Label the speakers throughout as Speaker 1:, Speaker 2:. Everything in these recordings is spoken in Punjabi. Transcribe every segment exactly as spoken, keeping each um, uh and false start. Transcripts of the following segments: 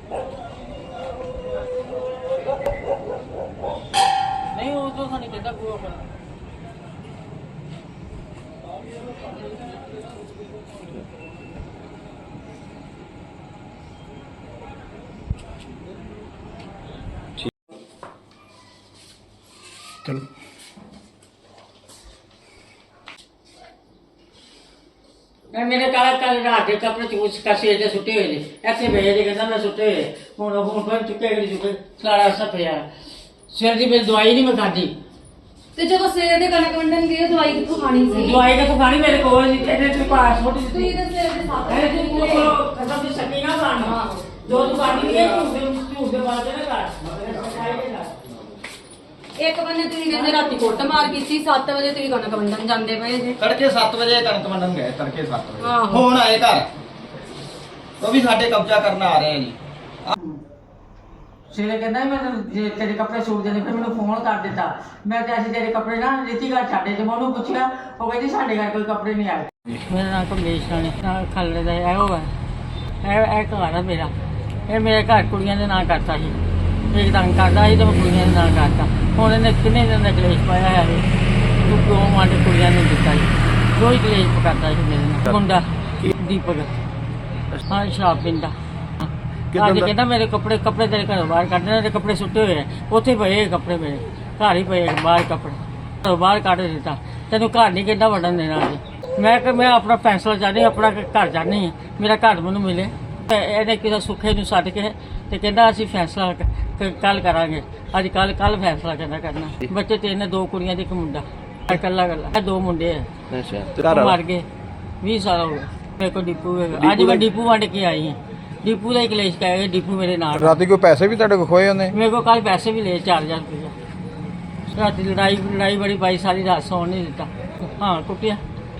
Speaker 1: नहीं वो तो नहीं कहता वो अपना
Speaker 2: चलो
Speaker 1: मेरे काला कल रात के कपड़े चूस कसे जे सुटे हुए ने ऐसे भेजे जे कहंदा मैं सुटे हुए हुन हुन फिर चुके गए चुके सारा सब पिया सिर दी मेरी दवाई नहीं मैं खादी
Speaker 3: ਤੇ ਜਦੋਂ ਸਵੇਰ ਦੇ ਕਣਕ ਵੰਡਣ ਗਏ ਦਵਾਈ ਕਿੱਥੋਂ ਖਾਣੀ ਸੀ?
Speaker 1: ਦਵਾਈ ਕਿੱਥੋਂ ਖਾਣੀ ਮੇਰੇ ਕੋਲ ਨਹੀਂ ਇਹਦੇ ਤੇ ਪਾਸ ਛੋਟੀ
Speaker 3: ਤੁਸੀਂ
Speaker 1: ਦਿੱਤੀ
Speaker 3: ਤਾਂ ਸਵੇਰ ਦੇ ਸਾਥ
Speaker 1: ਇਹ ਤੂੰ ਕੋਲ ਖਤਮ ਦੀ ਸੱਕੀ ਨਾ ਖਾਣਾ ਜੋ ਤੂੰ ਖਾਣੀ ਨਹੀਂ ਤੂੰ ਦੇ ਤੂੰ ਦੇ ਬਾਅਦ ਨਾ ਕਰ ਸਫਾਈ ਦੇ ਕਰ
Speaker 3: ਇੱਕ ਬੰਨੇ ਤੁਸੀਂ ਕਹਿੰਦੇ ਰਾਤੀ ਕੁੱਟ ਮਾਰ ਕੀਤੀ ਸੱਤ ਵਜੇ ਤੁਸੀਂ ਕਣਕ ਵੰਡਣ ਜਾਂਦੇ ਪਏ ਜੇ।
Speaker 2: तड़के सात बजे कणक वंडन गए तड़के सात बजे
Speaker 3: ਆਹੋ।
Speaker 2: फोन आए घर तो भी साडे कब्जा करना आ रहे हैं जी।
Speaker 1: ਸਿਰੇ ਕਹਿੰਦਾ ਮੈਂ ਜੇ ਤੇਰੇ ਕੱਪੜੇ ਸੂਟ ਦੇਣੇ ਫਿਰ ਮੈਨੂੰ ਫੋਨ ਕਰ ਦਿੱਤਾ ਮੈਂ ਤੇ ਅਸੀਂ ਤੇਰੇ ਕੱਪੜੇ ਨਾ ਰੀਤੀ ਘਰ ਛੱਡੇ ਤੇ ਮੈਂ ਉਹਨੂੰ ਪੁੱਛਿਆ ਉਹ ਕਹਿੰਦੀ ਸਾਡੇ ਘਰ ਕੋਈ ਕੱਪੜੇ ਨਹੀਂ ਆਏ ਮੇਰਾ ਨਾਮ ਕਮੇਸ਼ ਰਾਣੀ ਨਾਲ ਖਲੜੇ ਦਾ ਇਹ ਹੋਗਾ ਇਹ ਇਹ ਘਰ ਆ ਮੇਰਾ ਇਹ ਮੇਰੇ ਘਰ ਕੁੜੀਆਂ ਦੇ ਨਾਂ ਕਰਤਾ ਸੀ ਇੱਕ ਤੰਗ ਕਰਦਾ ਸੀ ਤੇ ਮੈਂ ਕੁੜੀਆਂ ਦੇ ਨਾਂ ਕਰਤਾ ਹੁਣ ਇਹਨੇ ਕਿੰਨੇ ਦਿਨ ਦਾ ਕਲੇਸ਼ ਪਾਇਆ ਹੈ ਤੂੰ ਕਿਉਂ ਮਾਡੇ ਕੁੜੀਆਂ ਨੂੰ ਦਿੱਤਾ ਸੀ ਰੋਜ਼ ਕਲੇਸ਼ ਕਰਦਾ ਸੀ ਮੇਰੇ ਨਾਲ ਮੁੰਡਾ ਦੀਪਕ ਹਾਂ ਸ਼ਰਾਬ ਪੀਂਦਾ ਅੱਜ ਕਹਿੰਦਾ ਮੇਰੇ ਕੱਪੜੇ ਕੱਪੜੇ ਤੇਰੇ ਘਰੋਂ ਬਾਹਰ ਕੱਢ ਦੇ ਕੱਪੜੇ ਸੁੱਟੇ ਹੋਏ ਆ ਉੱਥੇ ਪਏ ਕੱਪੜੇ ਮੇਰੇ ਘਰ ਹੀ ਪਏ ਬਾਹਰ ਕੱਪੜੇ ਘਰੋਂ ਬਾਹਰ ਕੱਢ ਦਿੱਤਾ ਤੈਨੂੰ ਘਰ ਨਹੀਂ ਕਿੱਦਾਂ ਵੜਨ ਦੇਣਾ ਅੱਜ ਮੈਂ ਕਿ ਮੈਂ ਆਪਣਾ ਫੈਸਲਾ ਚਾਹਨੀ ਆਪਣਾ ਘਰ ਚਾਹਨੀ ਹਾਂ ਮੇਰਾ ਘਰ ਮੈਨੂੰ ਮਿਲੇ ਤੇ ਇਹਨੇ ਕਿਸੇ ਸੁੱਖੇ ਨੂੰ ਛੱਡ ਕੇ ਤੇ ਕਹਿੰਦਾ ਅਸੀਂ ਫੈਸਲਾ ਕੱਲ ਕਰਾਂਗੇ ਅੱਜ ਕੱਲ ਕੱਲ ਫੈਸਲਾ ਕਹਿੰਦਾ ਕਰਨਾ ਬੱਚੇ ਤਿੰਨ ਦੋ ਕੁੜੀਆਂ ਤੇ ਇੱਕ ਮੁੰਡਾ ਇਕੱਲਾ ਇਕੱਲਾ ਦੋ ਮੁੰਡੇ ਆ
Speaker 2: ਅੱਛਾ
Speaker 1: ਮਰ ਗਏ ਵੀਹ ਸਾਲ ਹੋ ਗਏ ਮੇਰੇ ਕੋਲ ਡਿਪੂ ਹੈਗਾ ਅੱਜ ਮੈਂ ਡਿਪੂ ਵੰਡ ਕੇ ਆਈ ਹਾਂ डिपू का कलेश कहे डिपू मेरे नाल
Speaker 4: रात कोई पैसे भी तेरे को खोए उन्हें
Speaker 1: मेरे को कल पैसे भी ले चार हजार रुपया रात लड़ाई लड़ाई बड़ी पाई सारी रात सौन नहीं दिता हाँ कुटिया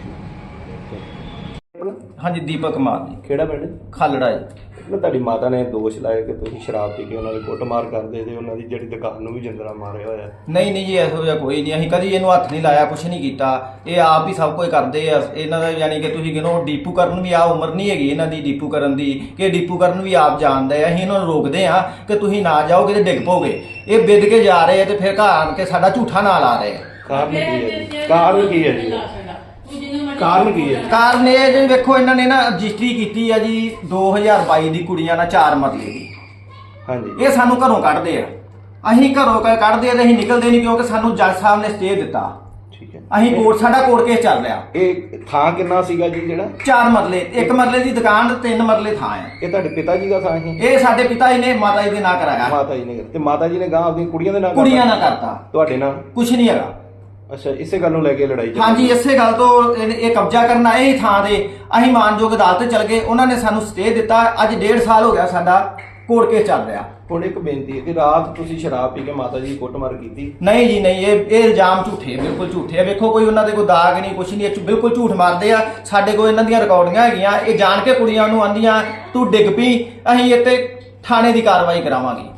Speaker 2: हाँ जी दीपक कुमार जी
Speaker 5: ਕਿਹੜਾ ਪਿੰਡ?
Speaker 2: खालड़ा जी
Speaker 5: ਮੈਂ ਤੁਹਾਡੀ ਮਾਤਾ ਨੇ ਦੋਸ਼ ਲਾਇਆ ਕਿ ਤੁਸੀਂ ਸ਼ਰਾਬ ਪੀ ਕੇ ਉਹਨਾਂ ਦੀ ਕੁੱਟਮਾਰ ਕਰਦੇ ਤੇ ਉਹਨਾਂ ਦੀ ਜਿਹੜੀ ਦੁਕਾਨ ਨੂੰ ਵੀ ਜਿੰਦਰਾ ਮਾਰਿਆ ਹੋਇਆ।
Speaker 2: ਨਹੀਂ ਨਹੀਂ ਜੀ ਇਹੋ ਜਿਹਾ ਕੋਈ ਨਹੀਂ ਅਸੀਂ ਕਦੀ ਇਹਨੂੰ ਹੱਥ ਨਹੀਂ ਲਾਇਆ ਕੁਛ ਨਹੀਂ ਕੀਤਾ ਇਹ ਆਪ ਹੀ ਸਭ ਕੁਝ ਕਰਦੇ ਆ ਇਹਨਾਂ ਦਾ ਯਾਨੀ ਕਿ ਤੁਸੀਂ ਕਿਹਨੋ ਡੀਪੂ ਕਰਨ ਵੀ ਆ ਉਮਰ ਨਹੀਂ ਹੈਗੀ ਇਹਨਾਂ ਦੀ ਡੀਪੂ ਕਰਨ ਦੀ ਕਿ ਡੀਪੂ ਕਰਨ ਵੀ ਆਪ ਜਾਣਦੇ ਆ ਅਸੀਂ ਇਹਨਾਂ ਨੂੰ ਰੋਕਦੇ ਆ ਕਿ ਤੁਸੀਂ ਨਾ ਜਾਓਗੇ ਤੇ ਡਿੱਗ ਪੋਗੇ ਇਹ ਵਿਦ ਕੇ ਜਾ ਰਹੇ ਆ ਤੇ ਫਿਰ ਘਰ ਆਣ ਕੇ ਸਾਡਾ ਝੂਠਾ ਨਾਂ ਲਾ ਰਹੇ ਆ
Speaker 5: ਕਾਰਨ ਕੀ ਹੈ ਜੀ? ਕਾਰਨ ਕੀ ਹੈ ਜੀ? ਕਾਰਨ ਕੀ ਹੈ?
Speaker 2: ਕਾਰਨ ਇਹ ਜੀ ਵੇਖੋ ਇਹਨਾਂ ਨੇ ਨਾ ਰਜਿਸਟਰੀ ਕੀਤੀ ਆ ਜੀ ਦੋ ਹਜ਼ਾਰ ਬਾਈ ਦੀ ਕੁੜੀਆਂ ਨਾਲ ਚਾਰ ਮਰਲੇ ਦੀ
Speaker 5: ਹਾਂਜੀ
Speaker 2: ਇਹ ਸਾਨੂੰ ਘਰੋਂ ਕੱਢਦੇ ਆ ਅਸੀਂ ਘਰੋਂ ਕ- ਕੱਢਦੇ ਆ ਤੇ ਅਸੀਂ ਨਿਕਲਦੇ ਨਹੀਂ ਕਿਉਂਕਿ ਸਾਨੂੰ ਜੱਜ ਸਾਹਿਬ ਨੇ ਸਟੇ ਦਿੱਤਾ
Speaker 5: ਠੀਕ ਹੈ।
Speaker 2: ਅਸੀਂ ਕੋਰਟ ਸਾਡਾ ਕੋਰਟ ਕੇਸ ਚੱਲ ਰਿਹਾ
Speaker 5: ਇਹ ਥਾਂ ਕਿੰਨਾ ਸੀਗਾ ਜੀ ਜਿਹੜਾ?
Speaker 2: ਚਾਰ ਮਰਲੇ ਇੱਕ ਮਰਲੇ ਦੀ ਦੁਕਾਨ ਤੇ ਤਿੰਨ ਮਰਲੇ ਥਾਂ ਹੈ
Speaker 5: ਇਹ ਤੁਹਾਡੇ ਪਿਤਾ ਜੀ ਦਾ ਥਾਂ ਹੈ?
Speaker 2: ਇਹ ਸਾਡੇ ਪਿਤਾ ਜੀ ਨੇ ਮਾਤਾ ਜੀ ਦੇ ਨਾਂ ਕਰਾਇਆ
Speaker 5: ਮਾਤਾ ਜੀ ਨੇ ਤੇ ਮਾਤਾ ਜੀ ਨੇ ਗਾਂ ਆਪਣੀਆਂ ਕੁੜੀਆਂ ਦੇ ਨਾਲ
Speaker 2: ਕੁੜੀਆਂ ਨਾਲ ਕਰਤਾ
Speaker 5: ਤੁਹਾਡੇ ਨਾਲ?
Speaker 2: ਕੁਛ ਨਹੀਂ ਹੈਗਾ
Speaker 5: ਅੱਛਾ ਇਸੇ ਗੱਲ ਨੂੰ ਲੈ ਕੇ ਲੜਾਈ ਚੱਲੀ?
Speaker 2: ਹਾਂਜੀ ਇਸੇ ਗੱਲ ਤੋਂ ਇਹ ਇਹ ਕਬਜ਼ਾ ਕਰਨਾ ਇਹ ਥਾਂ ਦੇ ਅਸੀਂ ਮਾਨਯੋਗ ਅਦਾਲਤ ਚਲ ਗਏ ਉਹਨਾਂ ਨੇ ਸਾਨੂੰ ਸਟੇ ਦਿੱਤਾ ਅੱਜ ਡੇਢ ਸਾਲ ਹੋ ਗਿਆ ਸਾਡਾ ਕੋਰਟ ਕੇਸ ਚੱਲ ਰਿਹਾ
Speaker 5: ਹੁਣ ਇੱਕ ਬੇਨਤੀ ਹੈ ਕਿ ਰਾਤ ਤੁਸੀਂ ਸ਼ਰਾਬ ਪੀ ਕੇ ਮਾਤਾ ਜੀ ਦੀ ਕੁੱਟਮਾਰ ਕੀਤੀ?
Speaker 2: ਨਹੀਂ ਜੀ ਨਹੀਂ ਇਹ ਇਹ ਇਲਜ਼ਾਮ ਝੂਠੇ ਬਿਲਕੁਲ ਝੂਠੇ ਆ ਵੇਖੋ ਕੋਈ ਉਹਨਾਂ ਦੇ ਕੋਈ ਦਾਗ ਨਹੀਂ ਕੁਛ ਨਹੀਂ ਇਹ 'ਚ ਬਿਲਕੁਲ ਝੂਠ ਮਾਰਦੇ ਆ ਸਾਡੇ ਕੋਲ ਇਹਨਾਂ ਦੀਆਂ ਰਿਕਾਰਡਿੰਗਾਂ ਹੈਗੀਆਂ ਇਹ ਜਾਣ ਕੇ ਕੁੜੀਆਂ ਨੂੰ ਆਂਦੀਆਂ ਤੂੰ ਡਿੱਗ ਪਈ ਅਸੀਂ ਇੱਥੇ ਥਾਣੇ ਦੀ ਕਾਰਵਾਈ ਕਰਾਵਾਂਗੇ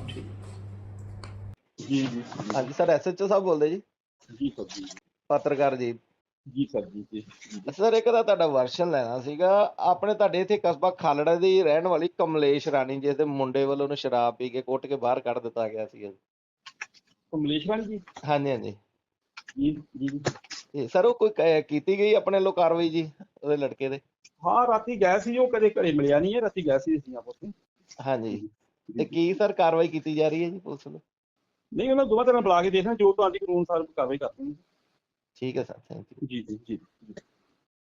Speaker 5: ਜੀ ਜੀ ਹਾਂਜੀ ਸਰ ਐਸਐਚਓ ਸਾਹਿਬ ਬੋਲਦੇ ਜੀ?
Speaker 6: ਜੀ ਸਰ ਜੀ
Speaker 5: ਪੱਤਰਕਾਰ ਜੀ
Speaker 6: ਜੀ ਸਰ ਜੀ ਜੀ
Speaker 5: ਸਰ ਇੱਕ ਤਾਂ ਤੁਹਾਡਾ ਵਰਸ਼ਨ ਲੈਣਾ ਸੀਗਾ ਆਪਣੇ ਤੁਹਾਡੇ ਇੱਥੇ ਕਸਬਾ ਖਾਲੜਾ ਦੀ ਰਹਿਣ ਵਾਲੀ ਕਮਲੇਸ਼ ਰਾਣੀ ਜਿਸ ਦੇ ਮੁੰਡੇ ਵੱਲੋਂ ਉਹਨੂੰ ਸ਼ਰਾਬ ਪੀ ਕੇ ਕੁੱਟ ਕੇ ਬਾਹਰ ਕੱਢ ਦਿੱਤਾ ਗਿਆ ਸੀ।
Speaker 6: ਕਮਲੇਸ਼ਵਰ ਜੀ
Speaker 5: ਹਾਂਜੀ ਹਾਂਜੀ
Speaker 6: ਜੀ ਜੀ ਜੀ।
Speaker 5: ਤੇ ਸਰ ਉਹ ਕੋਈ ਕ- ਕੀਤੀ ਗਈ ਆਪਣੇ ਵੱਲੋਂ ਕਾਰਵਾਈ ਜੀ ਉਹਦੇ ਲੜਕੇ ਦੇ?
Speaker 6: ਹਾਂ ਰਾਤੀ ਗਏ ਸੀ ਉਹ ਕਦੇ ਘਰੇ ਮਿਲਿਆ ਨਹੀਂ ਹੈ ਰਾਤੀ ਗਏ ਸੀ ਅਸੀਂ ਆਪਸ ਵਿੱਚ।
Speaker 5: ਹਾਂਜੀ ਤੇ ਕੀ ਸਰ ਕਾਰਵਾਈ ਕੀਤੀ ਜਾ ਰਹੀ ਹੈ ਜੀ ਪੁਲਿਸ ਵੱਲੋਂ?
Speaker 6: ਨਹੀਂ ਉਹਨਾਂ ਦੋਵਾਂ ਤਰ੍ਹਾਂ ਬੁਲਾ ਕੇ ਦੇਖਣਾ ਜੋ ਤੁਹਾਡੀ ਕਾਨੂੰਨ ਅਨੁਸਾਰ ਕਾਰਵਾਈ ਕਰਦੇ ਹਾਂ।
Speaker 5: ਠੀਕ ਹੈ ਸਰ ਥੈਂਕ ਯੂ।
Speaker 6: ਜੀ ਜੀ ਜੀ